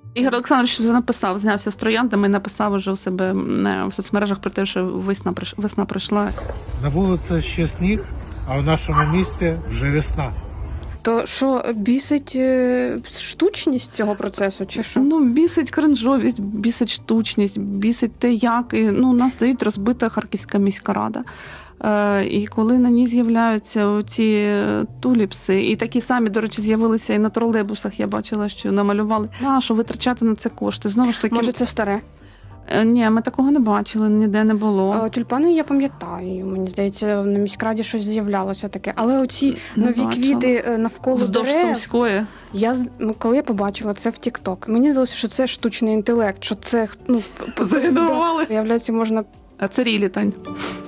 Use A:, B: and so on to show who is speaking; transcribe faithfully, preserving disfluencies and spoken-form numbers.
A: Ігор Олександрович вже написав, знявся з трояндами і написав уже у себе в соцмережах про те, що весна, весна прийшла.
B: На вулиці ще сніг, а в нашому місті вже весна.
C: То що, бісить е, штучність цього процесу, чи що?
A: Ну, бісить кринжовість, бісить штучність, бісить те, як. І, ну, у нас стоїть розбита Харківська міська рада. Е, і коли на ній з'являються ці туліпси, і такі самі, до речі, з'явилися і на тролейбусах, я бачила, що намалювали. А, що витрачати на це кошти? Знову ж таки...
C: Може, це старе?
A: Е, ні, ми такого не бачили, ніде не було.
C: А, тюльпани я пам'ятаю, мені здається, на міськраді щось з'являлося таке. Але оці
A: Не
C: нові
A: бачила.
C: квіти навколо
A: Вздовж
C: дерев,
A: Сумської.
C: я, коли я побачила це в Тік-Ток, мені здалося, що це штучний інтелект, що це, ну...
A: Загенерували.
C: Да, виявляється, можна...
A: А це рілі, Тань.